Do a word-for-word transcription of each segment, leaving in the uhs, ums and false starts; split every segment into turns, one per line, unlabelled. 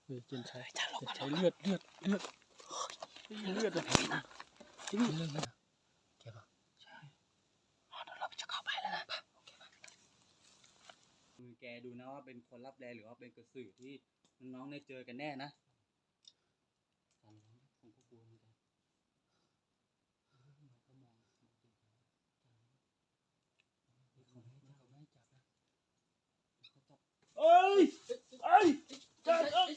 เฮ้ยเจนใช้ใช้เลือดเลือดเลือดเลือดอะไรนะจริงเลือดนะเก็บป่ะใช่เดี๋ยวเราจะเข้าไปแล้วนะมือแกดูนะว่าเป็นคนรับแรงหรือว่าเป็นกระสือที่น้องๆได้เจอกันแน่นะผมก็กลัวเหมือนกันเอ้ยเอ้ยจัดเอ้ย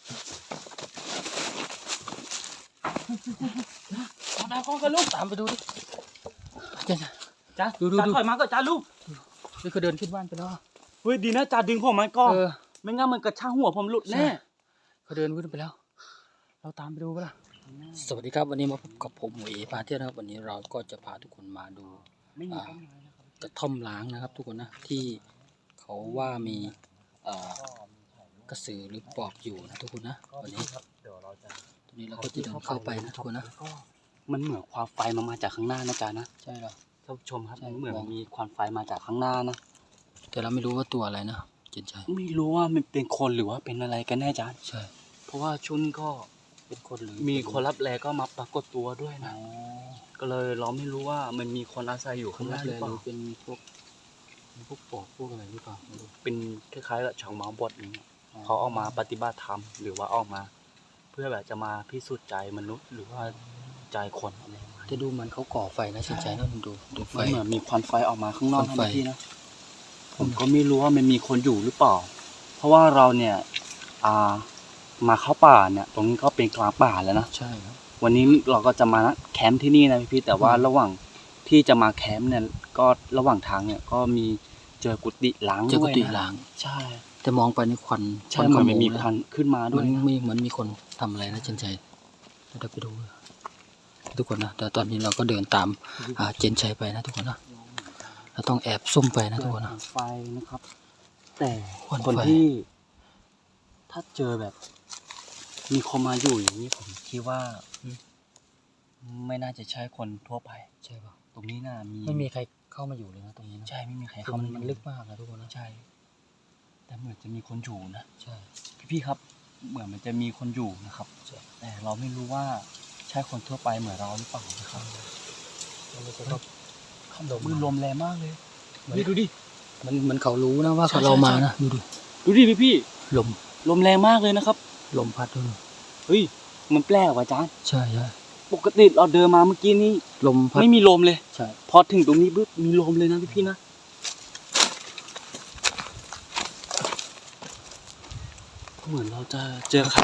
เอาดาวกล้องกันลูกตามไปดูดิจ้าจ้าดูดูดูถอยมาก็จ้าลูกนี่เขาเดินขึ้นบ้านไปแล้วเฮ้ยดีนะจ้าดึงผมมันก่อนไม่งั้นมันกระชากหัวผมหลุดแน่เขาเดินขึ้นไปแล้วเราตามไปดูปะล่ะสวัสดีครับวันนี้มาพบกับผมหมวยพาเที่ยวนะครับวันนี้เราก็จะพาทุกคนมาดูกระท่อมล้างนะครับทุกคนนะที่เขาว่ามีกระสือหรือปอบอยู่นะทุกคนนะวันนี้ตรงนี้เราก็จะเดินเข้าไปนะทุกคนนะมันเหมือนความไฟมามาจากข้างหน้านะจ๊ะนะใช่หรอท่านผู้ชมครับมันเหมือนมีควันไฟมาจากข้างหน้านะแต่เราไม่รู้ว่าตัวอะไรนะเจนชัยไม่รู้ว่ามันเป็นคนหรือว่าเป็นอะไรกันแน่จ๊ะใช่เพราะว่าชุนก็เป็นคนหรือมีคนรับแลก็มาปรากฏตัวด้วยนะก็เลยเราไม่รู้ว่ามันมีคนอาศัยอยู่ข้างหน้าหรือเปล่าเป็นพวกพวกปอบพวกอะไรหรือเปล่าเป็นคล้ายๆกับชาวมาบดอย่างเงี้ยเขาออกมาปฏิบัติธรรมหรือว่าออกมาเพื่อแบบจะมาพิสูจน์ใจมนุษย์หรือว่าใจคนอะไรจะดูเหมือนเขาก่อไฟนะเฉยๆนะดูดูไฟเหมือนมีควันไฟออกมาข้างนอกนะพี่นะผมก็ไม่รู้ว่ามันมีคนอยู่หรือเปล่าเพราะว่าเราเนี่ยอ่ามาเข้าป่าเนี่ยตรงนี้ก็เป็นกลางป่าแล้วนะใช่ครับวันนี้เราก็จะมาแคมป์ที่นี่นะพี่แต่ว่าระหว่างที่จะมาแคมป์เนี่ยก็ระหว่างทางเนี่ยก็มีเจอกุฏิล้างด้วยนะเจอกุฏิล้างใช่แต่มองไปในควันใช่เหมือนมีควันขึ้นมาด้วยมันมีเหมือนมีคนทำอะไรนะเจนชัยเราไปดูทุกคนนะแต่ตอนนี้เราก็เดินตามเจนชัยไปนะทุกคนนะเราต้องแอบซุ่มไปนะทุกคนนะไฟนะครับแต่คนที่ถ้าเจอแบบมีคนมาอยู่อย่างนี้ผมคิดว่าไม่น่าจะใช่คนทั่วไปใช่ป่ะตรงนี้น่ามีไม่มีใครเข้ามาอยู่เลยนะตรงนี้นะใช่ไม่มีใครเข้ามันมันลึกมากนะทุกคนนะใช่แต่เหมือนจะมีคนอยู่นะใช่พี่ๆครับเหมือนมันจะมีคนอยู่นะครับแต่เราไม่รู้ว่าใช่คนทั่วไปเหมือนเราหรือเปล่านะครับมันจะต้องมือลมแรงมากเลยนี่ดูดิมันมันเขารู้นะว่าเรามานะดูดิดูดิพี่พี่ลมลมแรงมากเลยนะครับลมพัดด้วยเฮ้ยมันแปลกว่ะจ๊ะใช่ใช่ปกติเราเดินมาเมื่อกี้นี้ลมพัดไม่มีลมเลยใช่พอถึงตรงนี้ปุ๊บมีลมเลยนะพี่พี่นะเหมือนเราจะเจอใคร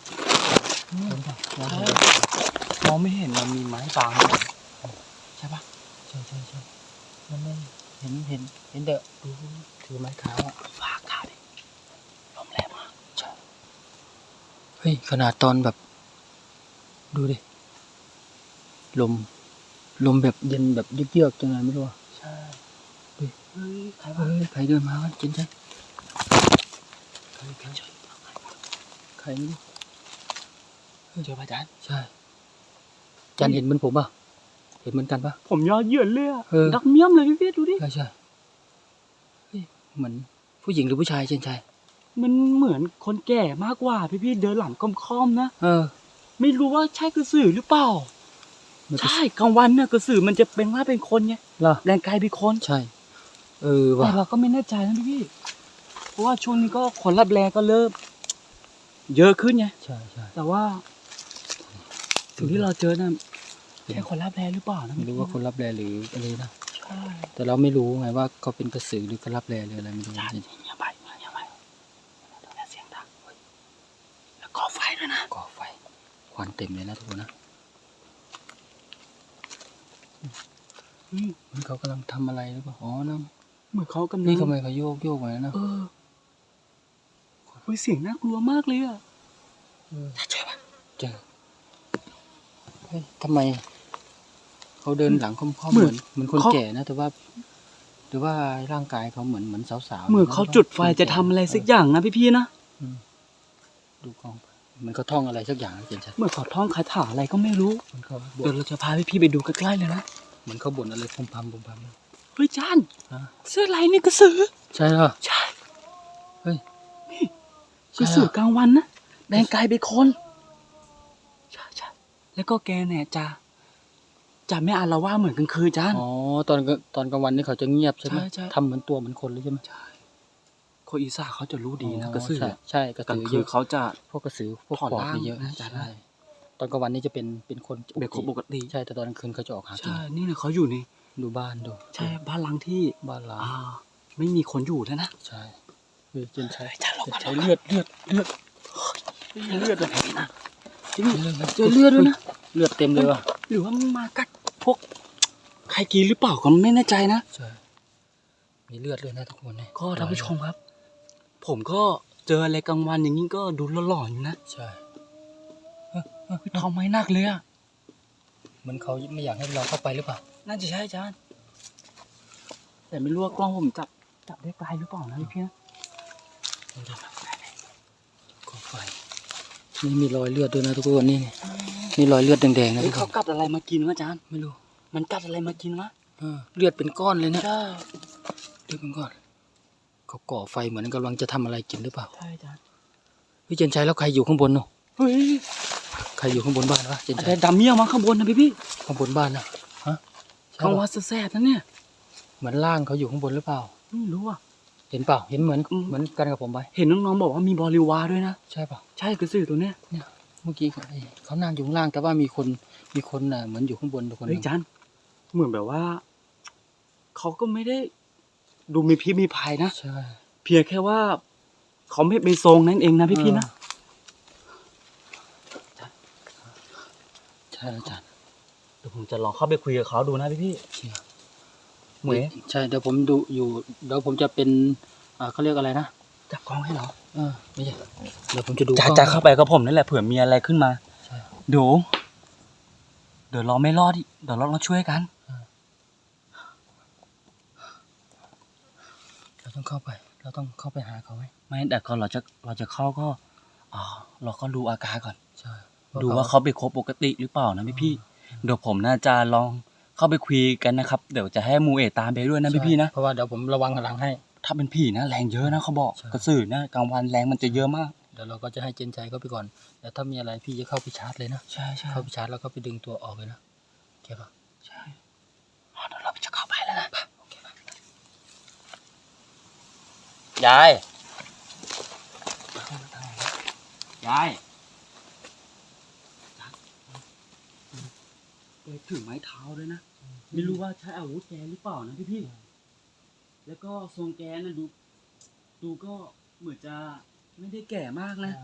มองไม่เห็นมันมีไม้บางใช่ปะใช่ใช่ใช่มันไม่เห็นเห็นเห็นเดอะดูถือไม้ขาวอ่ะฝากขาดิลมแรงมากใช่เฮ้ยขนาดตอนแบบดูดิลมลมแบบเย็นแบบเยือกๆจังไงไม่รู้อ่ะใช่ดิเฮ้ยใครวะเฮ้ยใครเดินมาวะจริงใช่ใครใครใครไม่รู้เจอพระอาจารย์ใช่อาจารย์เห็นเหมือนผมป่ะเห็นเหมือนกันป่ะผมยอดเยื่อเลยอ่ะดักเมี่ยมเลยพี่พี่ดูดิใช่ใช่เหมือนผู้หญิงหรือผู้ชายเช่นชายมันเหมือนคนแก่มากกว่าพี่พี่เดินหลังค่อมๆนะเออไม่รู้ว่าใช่กระสือหรือเปล่าใช่กลางวันเนี่ยกระสือมันจะเป็นว่าเป็นคนไงเหรอแรงกายเป็นคนใช่เออว่ะแต่เราก็ไม่แน่ใจนะพี่พี่เพราะว่าช่วงนี้ก็คนรับแรงก็เริ่มเยอะขึ้นไงใช่ใช่แต่ว่าสิ่งที่เราเจอน่ะใช่คนรับแรงหรือเปล่านะไม่รู้ว่าคนรับแรงหรืออะไรนะใช่แต่เราไม่รู้ไงว่าเขาเป็นกระสือหรือคนรับแรงหรืออะไรไม่รู้จริงๆอย่าไปอย่าไปต้องเสียงดังแล้วก่อไฟด้วยนะก่อไฟควันเต็มเลยนะทุกคนนะเหมือนเขากำลังทำอะไรหรือเปล่าอ๋อนะเหมือนเขากำลังนี่ทำไมเขาโยกโยกไปนะเออคุยเสียงน่ากลัวมากเลยอ่ะเจอปะเจอเฮ้ยทำไมเขาเดินหลังค่อมๆเหมือนเหมือนคนแก่นะแต่ว่าหรือว่าร่างกายเขาเหมือนเหมือนสาวๆเหมือนเขาจุดไฟจะทำอะไรสักอย่างนะพี่ๆนะดูกล้องเหมือนเขาท่องอะไรสักอย่างเห็นชัดเหมือนเขาท่องคาถาอะไรก็ไม่รู้เดี๋ยวเราจะพาพี่ๆไปดูใกล้ๆเลยนะเหมือนเขาบ่นอะไรพุ่มพำพุ่มพำเฮ้ยจานเสื้อลายนี่กระสือใช่เหรอใช่เฮ้ยนี่กระสือกลางวันนะแดงกลายเป็นคนใช่ใช่แล้วก็แกเนี่ยจะจะไม่อาละวาดเหมือนกลางคืนจ้า
อ๋อตอนตอนกลางวันนี่เขาจะเงียบใช่ไหม
ใช่ใช่
ทำเหมือนตัวเหมือนคนเลยใช่ไหม
ใช่คนอีสานเขาจะรู้ดีนะ
อ๋อก
ระสือ
ใช่ใช่กระ
กลา
สื
ง
อ
คื
เย
น
อะ
เขาจะ
พวกกระสือพวก
ถอด
ปอบ
ร่าง
นี่เยอะ
นะอาจารย์
ใช่ตอนกลางวันนี่จะเป็นเป็นคน
เป็นคนปกติ
ใช่แต่ตอนกลางคืนเขาจะออกหากิน
ใช่นี่เนี่ยเขาอยู่ใน
ดูบ้านดู
ใช่บ้านหลังที่
บ้านล้าง
อ่าไม่มีคนอยู่แล้วนะ
ใช่เฮ้ยเจนใช้
อาจารย์ลง
เจน
มา
ใช้เลือดเลือดเลือด
เลือดเลยนะที่
เลื
นี่
อด
เจอเลือดด้วยนะ
เลือดเต็มเลยว่ะ
หรือว่ามันมากัดพวกใครกินหรือเปล่าก็ไม่แน่ใจนะ
ใช่มีเลือดเลยนะทุกคนเนี่ย
ก็ท่านผู้ชมครับ ผมก็เจออะไรกลางวันอย่างนี้ก็ดูหล่อๆอยู่นะ
ใช่
ทำไมหนักเลยอ่ะ
เหมือนเขาไม่อยากให้เราเข้าไปหรือเปล่า
น่าจะใช่อาจารย์แต่ไม่รู้ว่ากล้องผมจับจับได้ไกลหรือเปล่านะพี่พี่นะ
กองไฟนี่มีรอยเลือดด้วยนะทุกคนนี่นี่รอยเลือดแดงๆนะ
เฮ้
ทุ
ย
กค
เขา
น
กัดอะไรมากินวะอาจารย์
ไม่รู้
มันกัดอะไรมากินวะ
เออเลือดเป็นก้อนเลยนะ
ใช่
เลือดเป็นก้อนเขาก่อไฟเหมือนกำลังจะทำอะไรกินหรือเปล่า
ใช่อาจารย์
พี่เจนชัยแล้วใครอยู่ข้างบนเนาะ
เฮ้ย
ใครอยู่ข้างบนบ้านวะเจน
อา
ชั
จาย รย์ดำเมี่ยวมาข้างบนนะพี่พี่
ข้างบนบ้านนะฮะใช่
ข้าง
ปะ
วัดแซ่บๆนั่นเนี่ย
เหมือนล่างเขาอยู่ข้างบนหรือเปล่า
ไม่รู้อ่ะ
เห็นเปล่าเห็นเหมือน
อืม
เหมือนกันกับผมไป
เห็นน้องๆบอกว่ามีบริวารด้วยนะ
ใช่เปล่า
ใช่กระสือตัวเนี้ย
เนี่ยเมื่อกี้เขาเอ้ยเขานั่งอยู่ข้างล่างแต่ว่ามีคนมีคนน่ะเหมือนอยู่ข้างบนทุกคน
เฮ้ยอาจารย์เหมือนแบบว่าเขาก็ไม่ได้ดูมีพิษมีภัยนะ
ใช่
เพียงแค่ว่าเขาไม่เป็นทรงนั่นเองนะพี่พี่ๆนะ
ใช่อาจารย์
เดี๋ยวผมจะลองเข้าไปคุยกับเขาดูนะพี่พี่
เชี่ย
เหมวย
ใช่เดี๋ยวผมดูอยู่เดี๋ยวผมจะเป็นอ่าเขาเรียกอะไรนะ
จับกล้องให้เหรอ
เออไม่ใช่เดี๋ยวผมจะดู
จะ
กล้อง
จะเข้าไปกับผมนั่นแหละเผื่อมีอะไรขึ้นมา
ใช่
เดี๋ยวเดี๋ยวเราไม่รอดอีกเดี๋ยวเราต้องช่วยกัน
เราต้องเข้าไป เราต้องเข้าไปหาเขาไหม
ไม่แต่ก่อนเราจะเราจะเข้าก็อ่าเราก็ดูอาการก่อน
ใช่
ดูว่าเขาเป็นคนปกติหรือเปล่านะพี่พี่ๆเดี๋ยวผมน่าจะลองเข้าไปคุยกันนะครับ เดี๋ยวจะให้มูเอะตามไปด้วยนะพี่พี่ๆนะ
เพราะว่าเดี๋ยวผมระวังหลังให้
ถ้าเป็นผีนะแรงเยอะนะเขาบอก
ใช่
กระสือนะกลางวันแรงมันจะเยอะมาก
เดี๋ยวเราก็จะให้เจนใจเข้าไปก่อนแล้วถ้ามีอะไรพี่จะเข้าไปชาร์จเลยนะ
ใช่ใช่
เข้าไปชาร์จแล้วก็ไปดึงตัวออกเลยนะโอเคปะ
ใช่อ๋อเดี๋ยวเราจะเข้าไปแล้วนะโอเคปะ
ยาย
ยายแกถือไม้เท้าด้วยนะ ไม่รู้ว่าใช้อาวุธแกหรือเปล่านะพี่พี่ๆแล้วก็ทรงแกนะดู ดูก็เหมือนจะไม่ได้แก่มากนะ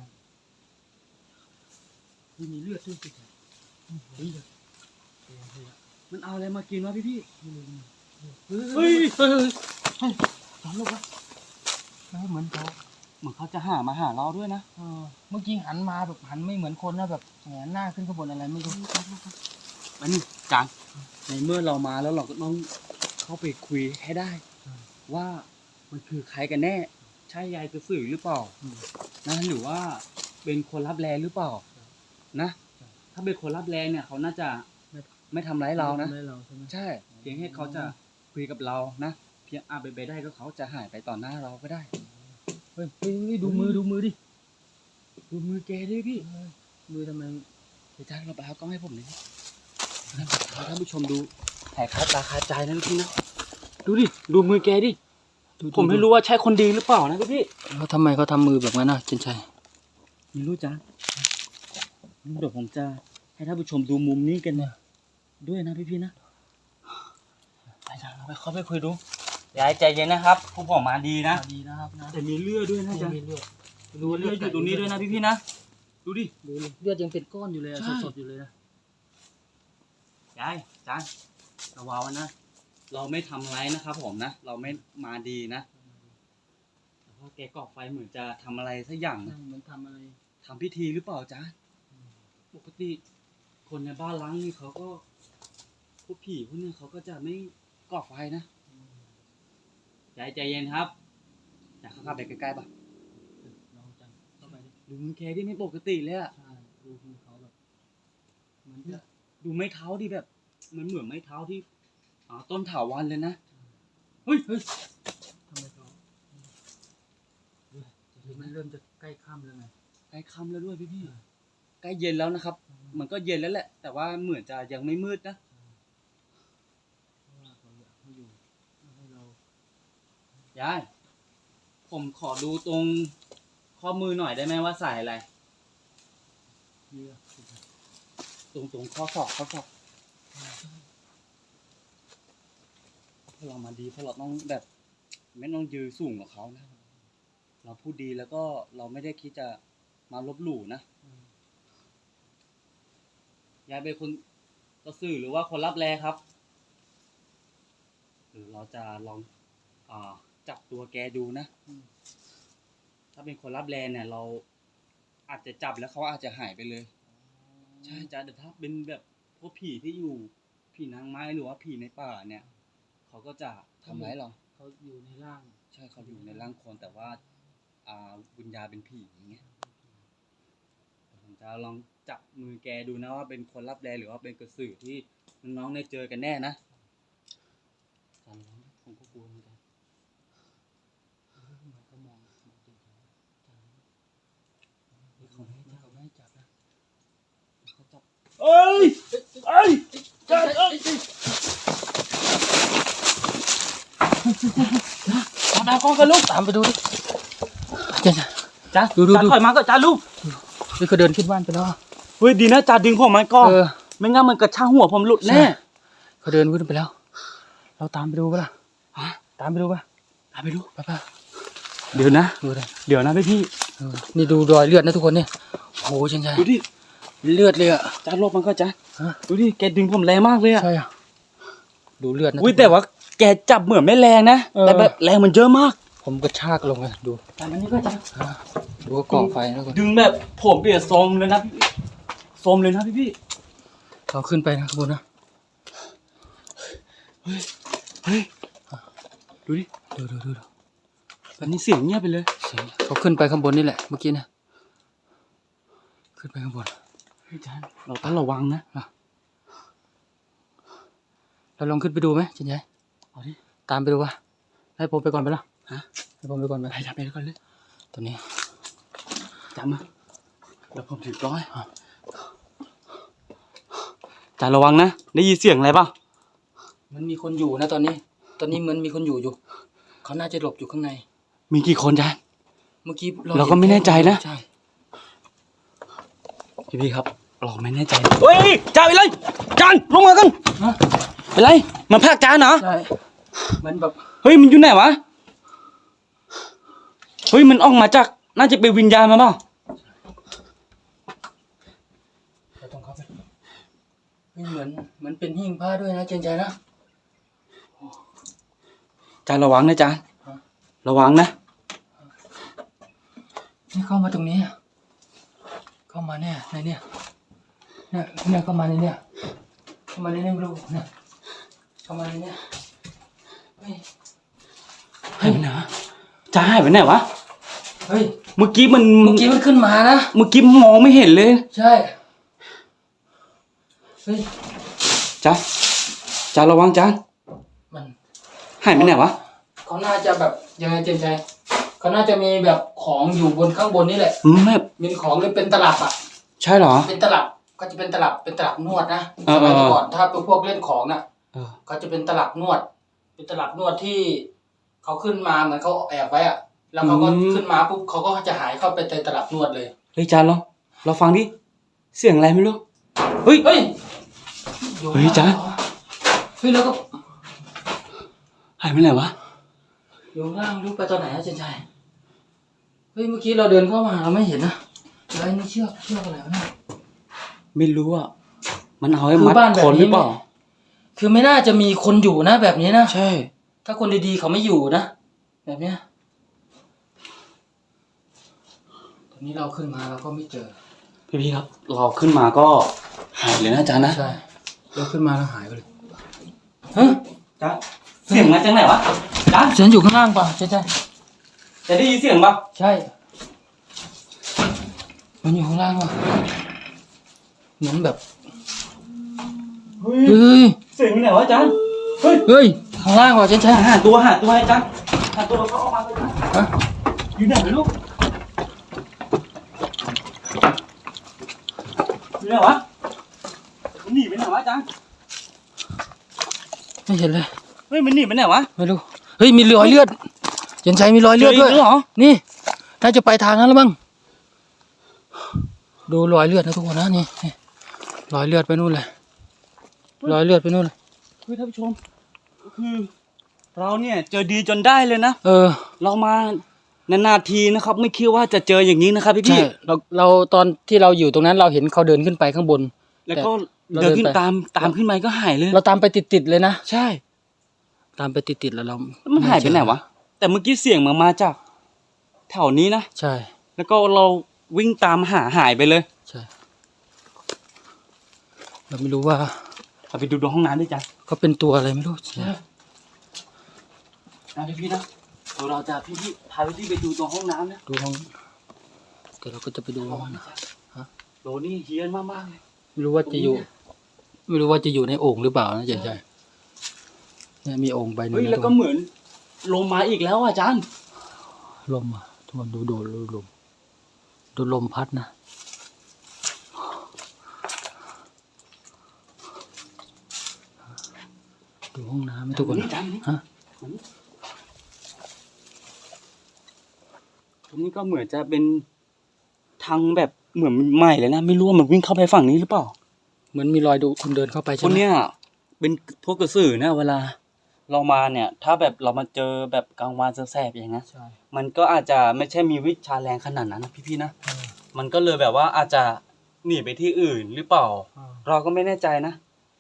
มีเลือดด้วยสิเฮ้ยมันเอาอะไรมากินวะพี่พี่ๆเฮ้ยเฮ้ยเฮ้ยเฮ้ยสอนลูกวะ
เออเหมือนเขา
เหมือนเขาจะหามาหาเราด้วยนะ
เออเมื่อกี้หันมาแบบหันไม่เหมือนคนนะแบบแหงนหน้าขึ้นข้างบนอะไรไม่รู้
อันนี้จานในเมื่อเรามาแล้วเราก็ต้องเข้าไปคุยให้ได้ ว่ามันคือใครกันแน่ ใช่ยายกระสือหรือเปล่านะหรือว่าเป็นคนรับแลหรือเปล่า นะ ถ้าเป็นคนรับแลเนี่ย เขาน่าจะไม่ทำร้ายเรานะ
ไม่เราใช่ไหม
ใช่ เพียงแค่เขาจะคุยกับเรานะเพียงอาไปนไปได้ก็เขาจะหายไปต่อหน้าเราก็ได้
เฮ้ยเฮ้ยเฮ้ยดูมือดูมือดิ
ดูมือแกดิพี่
มือทำไม
เดี๋ยวจ้าเราไปเอากล้องให้ผมหน่อยดิให้ท่านผู้ชมดูแผลคาตาคาใจนะพี่นะ ดูดิ ดูมือแกดิ
ดู
ผมไม่รู้ว่าใช่คนดีหรือเปล่านะพี่
แล้วทำไมเขาทำมือแบบนั้นนะเจนชัย
ไม่รู้จ้าเดี๋ยวผมจะให้ท่านผู้ชมดูมุมนี้กันเนี่ยด้วยนะพี่พี่ๆนะไปจ้าเราไปเข้าไปคุยดูยายใจเย็นนะครับผู้ผมมาดีนะ
ดีนะครับนะ
แต่มีเลือดด้วยนะจ๊ะ
มีเลือด
ดูเลือดอยู่ตรงนี้ด้วยนะพี่พี่ๆนะดูดิ
ดูเลยเลือดยังเป็นก้อนอยู่เลยอะ
ใช่
สดๆอยู่เลยนะ
ยายจ้าระวังไว้นะ เราไม่ทำร้ายนะครับผมนะ เราไม่มาดีนะแต่ว่าแกก่อไฟเหมือนจะทำอะไรสักอย่างนะ
เหมือนทำอะไร
ทำพิธีหรือเปล่าจ๊ะปกติคนในบ้านล้างนี่เขาก็พวกผีพวกนี้เขาก็จะไม่ก่อไฟนะยายใจเย็นครับอยากเข้าไปใกล้ๆปะ
ลองจังเข้าไปดิ
ดูมือแกที่ไม่ปกติเลยอะ
ใช่ดูมือเขาแบบเหมันจะ
ดูไม้เท้าที่แบบมันเหมือนไม้เท้าที่อ่าต้นถาวรเลยนะเฮ้ยเฮ้ย
ทำไมเขาเฮ้ยมันเริ่มจะใกล้ค่ำแล้วไง
ใกล้ค่ำแล้วด้วยพี่พี่ใกล้เย็นแล้วนะครับ มันก็เย็นแล้วแหละ แต่ว่าเหมือนจะยังไม่มืดนะยายผมขอดูตรงข้อมือหน่อยได้ไหมว่าใส่อะไรตรงตรงข้อศอกข้อศอกพเรามาดีเพราะเราต้องแบบไม่ต้องยืนสูงกว่าเขานะเราพูดดีแล้วก็เราไม่ได้คิดจะมาลบหลู่นะยายเป็นคนกระสือหรือว่าคนรับแลครับหรือเราจะลองอ่าจับตัวแกดูนะถ้าเป็นคนรับแลเนี่ยเราอาจจะจับแล้วเขาอาจจะหายไปเลยใช่จ้ะแต่ถ้าเป็นแบบพวกผีที่อยู่ผีนางไม้หรือว่าผีในป่าเนี่ยเขาก็จะทำร้ายเราเขาอยู่ในร่างใช่เขาอยู่ในร่างคนแต่ว่าอ่าวิญญาณเป็นผีอย่างเงี้ยผมจะลองจับมือแกดูนะว่าเป็นคนรับแลหรือว่าเป็นกระสือที่น้องๆได้เจอกันแน่นะตอนนั้นผมก็กลัวเหมือนกันมันก็มองเขาไม่เขาไม่จับนะเขาจับเอ้ยเอ้ยจับเอ้ยตามกล้องกันลูกตามไปดูดิจ้าจ้าดูดูดูถอยมาก็จ้าลูกนี่เขาเดินขึ้นบ้านไปแล้วเฮ้ยดีนะจ้าดึงผมมันก่อนไม่งั้นมันกระชากหัวผมหลุดแน่เขาเดินขึ้นไปแล้วเราตามไปดูป่ะล่ะตามไปดูป่ะตามไปดูป่ะป่ะเดี๋ยวนะดูเลยเดี๋ยวนะพี่พี่นี่ดูรอยเลือดนะทุกคนเนี่ยโอ้โหชันชัยดูดิเลือดเลยอ่ะจ้าลบมันก็จ้าดูดิแกดึงผมแรงมากเลยอ่ะใช่อ่ะดูเลือดนะอุ้ยแต่ว่าแกจับเหมือนไม่แรงนะแต่แบบแรงมันเยอะมากผมกระชากลงเลยดูแต่มันนี่ก็จ้าดูกองไฟนะทุกคนดึงแบบผมเปียกโซมเลยนะพี่โซมเลยนะพี่พี่เขาขึ้นไปนะข้างบนนะเฮ้ยเฮ้ยดูดิดูดูดูตอนนี้เสียงเงียบไปเลยเสียงเขาขึ้นไปข้างบนนี่แหละเมื่อกี้นะขึ้นไปข้างบนเฮ้ยจานเราต้องระวังนะเราลองขึ้นไปดูไหมชินยัยเอาดิตามไปดูวะให้ผมไปก่อนไปละฮะให้ผมไปก่อนไปจับไปก่อนเลยตัวนี้จับมาแล้วผมถือก้อยจานระวังนะได้ยินเสียงอะไรป่ะมันมีคนอยู่นะตอนนี้ตอนนี้เหมือนมีคนอยู่อยู่เขาน่าจะหลบอยู่ข้างในมีกี่คนจานเมื่อกี้เราก็ไม่แน่ใจนะใช่พี่พี่ครับเราไม่แน่ใจเฮ้ยจานไปเลยจานลงมากันไปเลยมันพากจานเหรอใช่มันแบบเฮ้ยมันอยู่ไหนวะเฮ้ยมันออกมาจากน่าจะเป็นวิญญาณมาเปล่าเราต้องเข้าไปเหมือนเหมือนเป็นหิ้งผ้าด้วยนะเจนใจนะจานระวังนะจานระวังนะนี่เข้ามาตรงนี้เข้ามาเนี่ยในเนี่ยเนี่ยเนี่ยเข้ามาในเนี่ยเข้ามาในเนี่ยไม่รู้เนี่ยเข้ามาในเนี่ยเฮ้ยหายไปไหนวะจานหายไปไหนวะเฮ้ยเมื่อกี้มันเมื่อกี้มันขึ้นมานะเมื่อกี้มองไม่เห็นเลยใช่เฮ้ยจานจานระวังจานมันหายไปไหนวะเขาน่าจะแบบยังไงเจนใจเขาน่าจะมีแบบของอยู่บนข้างบนนี่แหละไม่มีของหรือเป็นตลับอ่ะใช่เหรอเป็นตลับก็จะเป็นตลับเป็นตลับนวดนะสมัยก่อนถ้าเป็นพวกเล่นของน่ะก็จะเป็นตลับนวดเป็นตลับนวดที่เขาขึ้นมาเหมือนเขาแอบไว้อ่ะแล้วเขาก็ขึ้นมาปุ๊บเขาก็จะหายเข้าไปในตลับนวดเลยเฮ้ยจานเราเราฟังดิเสียงอะไรไม่รู้เฮ้ยเฮ้ยเฮ้ยจานเฮ้ยแล้วก็หายไปไหนวะอยู่ข้างล่างรู้ไปตอนไหนอะเจนชัยเฮ้ยเมื่อกี้เราเดินเข้ามาเราไม่เห็นนะอะไรนี่เชือกเชือกอะไรวะเนี่ยไม่รู้อ่ะมันเอาให้มัดคนหรือเปล่าคือไม่น่าจะมีคนอยู่นะแบบนี้นะใช่ถ้าคนดีๆเขาไม่อยู่นะแบบเนี้ยตอนนี้เราขึ้นมาเราก็ไม่เจอพี่ๆครับเราขึ้นมาก็หายเลยนะจ๊ะนะใช่เราขึ้นมาแล้วหายไปเลยฮะจ๊ะเสียงมาจากไหนวะจ๊ะเสียงอยู่ข้างล่างป่ะใช่ใช่จะได้ยินเสียงป่ะใช่มันอยู่ข้างล่างป่ะเหมือนแบบเฮ้ยเสียงอยู่ไหนวะจ๊ะเฮ้ยเฮ้ยข้างล่างป่ะใช่ใช่หาตัวหาตัวให้จ๊ะหาตัวเขาออกมาเลยจ๊ะฮะอยู่ไหนลูกอยู่ไหนวะมันหนีไปไหนวะอาจารย์
ไม่เห็นเลย
เฮ้ยมันหนีไปไหนวะ
ไม่รู้เฮ้ยมีรอยเลือดเย็นใจมีรอยเลือดด้วย
จกเหรอ
นี่น่าจะไปทางนั้นแล้วมั้งดูรอยเลือดนะทุกคนนะนี่นี่รอยเลือดไปนู่นเลยรอยเลือดไปนู่นเลย
เฮ้ยท่านผู้ชมก็คือเราเนี่ยเจอดีจนได้เลยนะ
เออ
เรามานานๆทีนะครับ ไม่คิดว่าจะเจออย่างนี้นะครับพี่
ใช่
พี่
เราเราตอนที่เราอยู่ตรงนั้นเราเห็นเขาเดินขึ้นไปข้างบน
แล้วก็
เรา
เดินขึ้น
เดินไป
ตามตามขึ้นไปก็หายเลย
เราตามไปติดๆเลยนะ
ใช่
ตามไปติดๆแล้วเรา
แล้วมันหายไปไหนวะแต่เมื่อกี้เสียงมันมาจากแถวนี้นะ
ใช่
แล้วก็เราวิ่งตามหาหายไปเลย
ใช่เราไม่รู้ว่า
เอาไปดูดูห้องน้ำด้วยจ้ะ
เขาเป็นตัวอะไรไม่รู้ใช่
นะพี่พี่นะเดี๋ยวเราจะพี่พี่พาพี่พี่ไปดูตัวห้องน้ำนะ
ดูห้องแต่เราก็จะไปดู
ระ
ห้
วั
อง ง
นะ
นะ
จ๊ะ
ฮะ
โหนี่เฮี้ยนมากๆเลย
ไม่รู้ว่าจะอยู่ ไม่รู้ว่าจะอยู่ในโอ่งหรือเปล่านะใช่ใช่เนี่ยมีโอ่งใบหนึง
เฮ้ย
นะ
แล้วก็เหมือนลมมาอีกแล้วอ่ะอาจารย์
ลมอ่ะทุกคนดูดูดูลมดูลมพัดนะดูห้องน้ำไหมทุกคน
อาจารย์นี่
ฮะ
ตรงนี้ก็เหมือนจะเป็นทางแบบเหมือนใหม่เลยนะไม่รู้ว่ามันวิ่งเข้าไปฝั่งนี้หรือเปล่า
เหมือนมีรอยดูคนเดินเข้าไป
ค
ใช่
น
ไหม
เนี้ยเป็นพวกกระสือนะเวลา เรามาเนี่ย ถ้าแบบเรามาเจอแบบกลางวันแสบๆอย่างเงี้ย
ใช่
มันก็อาจจะไม่ใช่มีวิชาแรงขนาดนั้นนะพี่ๆนะมันก็เลยแบบว่าอาจจะหนีไปที่อื่นหรือเปล่า เราก็ไม่แน่ใจนะ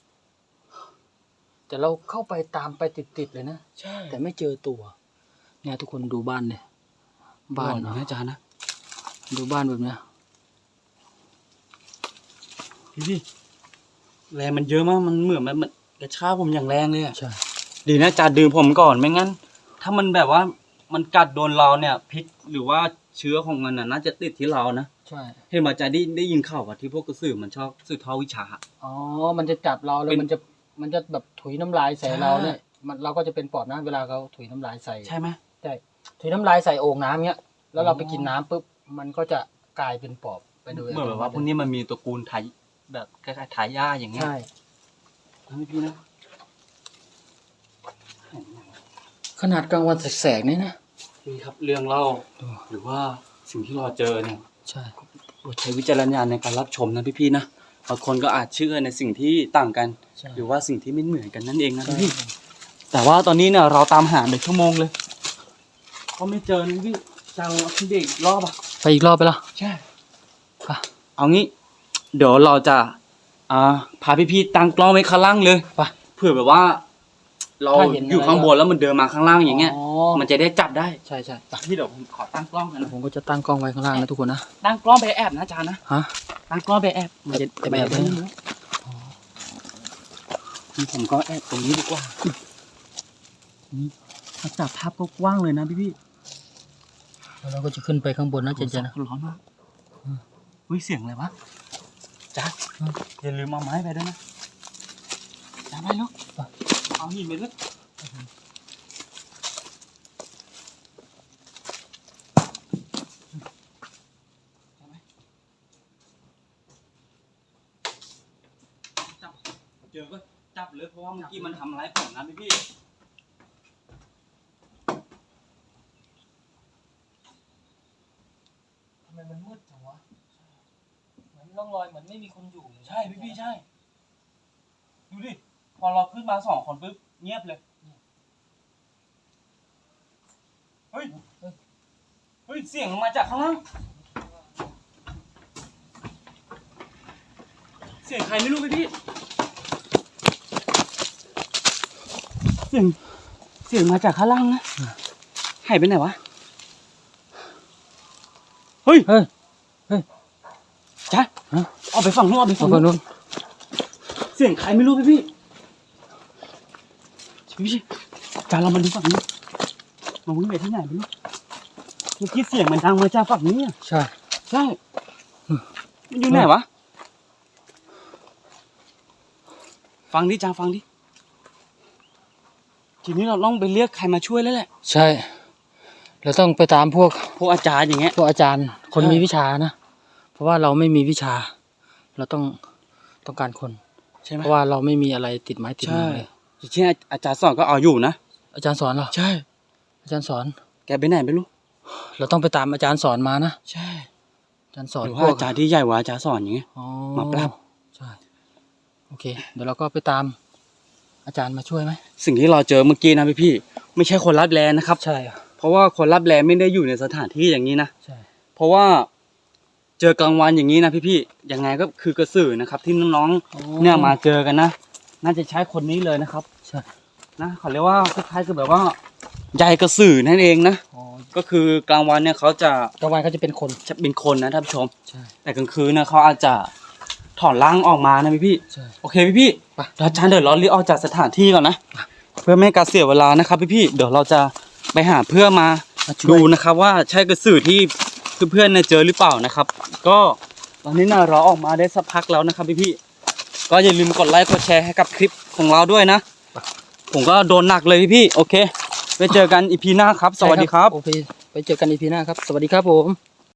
แต่เราเข้าไปตามไปติดๆเลยนะ
ใช่
แต่ไม่เจอตัว เนี่ยทุกคนดูบ้านเนี่ยบ้าน
นะ
เนาะ
อาจารย์นะ
ดูบ้านแบบเนี้ย
พี่ๆแรงมันเยอะมากมันเหมือนมันมันกระชากผมอย่างแรงเลยอะ
ใช่
ดีนะจ่าดื่มผมก่อนไม่งั้น ถ้ามันแบบว่ามันกัดโดนเราเนี่ยพิษหรือว่าเชื้อของมันน่ะน่าจะติดที่เรานะ
ใช่
เห็นมาจ่าได้ได้ยินข่าวว่าที่พวกกระสือมันชอบสืบทอดวิชา
อ๋อมันจะจับเราแล้ว
เป็น
มันจะมันจะแบบถุยน้ำลายใส่
ใช่
เราเนี่ยมันเราก็จะเป็นปอดนะเวลาเขาถุยน้ำลายใส่
ใช่ไหม
ใช่ถุยน้ำลายใส่โอ่งน้ำเงี้ยแล้วเรา
อ๋อ
ไปกินน้ำปุ๊บมันก็จะกลายเป็นปอบไปโดย
เหมือนแบบว่าพวกนี้มันมีตระกูลไทยแบบคล้ายๆทายาทอย่างเงี้ย
ใช่
นะพี่นะ
ขนาดกลางวันแสกๆนี่นะ
นี่ครับเรื่องเล่าหรือว่าสิ่งที่เราเจอเนี่ย
ใช่
โปรดใช้วิจารณญาณในการรับชมนะพี่ๆนะบางคนก็อาจเชื่อในสิ่งที่ต่างกัน
ใช่
หรือว่าสิ่งที่ไม่เหมือนกันนั่นเองนะ
ใช่
พี่ๆแต่ว่าตอนนี้เนี่ยเราตามหาเป็นชั่วโมงเลยก็ไม่เจอนะพี่จะเอาพี่เด็กรอบอ่ะ
ไปอีกรอบไปละ
ใช่
อ่ะ
เอางี้ เดี๋ยวเราจะอ่าพาพี่ๆตั้งกล้องไว้ข้างล่างเลย
ไป
เผื่อแบบว่า เรา
ถ้าเห็นอะไร
อยู่ข้างบนแล้วมันเดินมาข้างล่างอย่างเงี้ย
อ๋อ
มันจะได้จับได้
ใช่ใช่
พี่เดี๋ยวผมขอตั้งกล้องกันนะ
ผมก็จะตั้งกล้องไว้ข้างล่างนะทุกคนนะ
ตั้งกล้องไปแอบนะอาจารย์นะ
ฮะ
ตั้งกล้องไปแอบ
จะจะไปแอบ
ได้
ได้
ไหมผมก็แอบตรงนี้ดีกว่านี่ถ้าจับภาพก็กว้างเลยนะพี่พี่
แล้วเราก็จะขึ้นไปข้างบนนะเจนเจนนะ
ร้อนมากอุ้ยเสียงอะไรวะจ้าอย่าลืมเอาไม้ไปด้วยนะจ้าไปลูกเอาหินไปลูกจับเจอก็จับเลยเพราะว่าเมื่อกี้มันทำร้ายผมนะพี่พี่
ทำไมมันมืดจังวะเหมือนร่องรอยเหมือนไม่มีคนอยู่เลย
ใช่พี่พี่ใช่ ดูดิ พอเราขึ้นมาสองคนปุ๊บเงียบเลย เฮ้ย เฮ้ย เสียงมันมาจากข้างล่าง เสียงใครไม่รู้พี่พี่ เสียง เสียงมาจากข้างล่างนะหายไปไหนวะ เฮ้ย
เฮ้ย เฮ้ย
จ้ะ
ฮะ
เอาไปฝั่งนู้นเอาไป
เอา
ฝั่ง
ฝั่ง
นู้น
นู้น
เสียงใครไม่รู้พี่พี่พี่พี่จานเรามาดูฝั่งนี้มาวิ่งไปที่ไหนไม่รู้เมื่อกี้เสียงมันดังมาจากฝั่งนี้อะ
ใช่
ใช่มันอยู่ไหนวะ ฟังดิจาฟังดิ ทีนี้เราต้องไปเรียกใครมาช่วยแล้วแหละ
ใช่เราต้องไปตามพวก
พวกอาจารย์อย่างเงี้ย
พวกอาจารย์คน
ใช่
มีวิชานะ เพราะว่าเราไม่มีวิชาเราต้องต้องการคน
ใช่ไหม
เพราะว่าเราไม่มีอะไรติดไม้ติดมือเลย
อย่างเช่นอาจารย์สอนก็เอาอยู่นะ
อาจารย์สอนเหรอ
ใช่
อาจารย์สอน
แกไปไหนไม่รู้
เราต้องไปตามอาจารย์สอนมานะ
ใช่
อาจารย์สอน
หรือ
พ
ว่าว
ก
อาจารย์ที่ใหญ่กว่าอาจารย์สอนอย่างเงี้ย
อ๋อ
มาปรับ
ใช่โอเค เดี๋ยวเราก็ไปตามอาจารย์มาช่วยไหม
สิ่งที่เราเจอเมื่อกี้นะพี่พี่ๆไม่ใช่คนรับแลนะครับ
ใช่อะ
เพราะว่าคนรับแลไม่ได้อยู่ในสถานที่อย่างนี้นะ
ใช่
เพราะว่าเจอกลางวันอย่างนี้นะพี่พี่ๆยังไงก็คือกระสือนะครับ ที่น้องๆเนี่ยมาเจอกันนะ น่าจะใช้คนนี้เลยนะครับ
ใช่
นะเขาเรียกว่าคล้ายๆคือแบบว่าใยกระสือนั่นเองนะ
อ๋อ
ก็คือกลางวันเนี่ยเขาจะ
กลางวันเขาจะเป็นคน
จะเป็นคนนะท่านผู้ชม
ใช่
แต่กลางคืนนะเขาอาจจะถอนร่างออกมานะพี่พี่ๆ
ใช่
โอเคพี่พี่
ไป
ๆอาจารย์เดี๋ยวเรารีบออกจากสถานที่ก่อนนะ เพื่อไม่ให้การเสียเวลานะครับพี่พี่ๆเดี๋ยวเราจะไปหาเพื่อมา
มาช่วย
ดูนะครับว่าใช่กระสือที่เพื่อนๆเนี่ยเจอหรือเปล่านะครับ ก็ตอนนี้นะเราออกมาได้สักพักแล้วนะครับพี่พี่ๆก็อย่าลืมกดไลค์กดแชร์ให้กับคลิปของเราด้วยนะ ผมก็โดนหนักเลยพี่พี่ๆโอเคไปเจอกันอีพีหน้าครับ สวัสดีครับ
โอเค ไปเจอกันอีพีหน้าครับ สวัสดีครับผม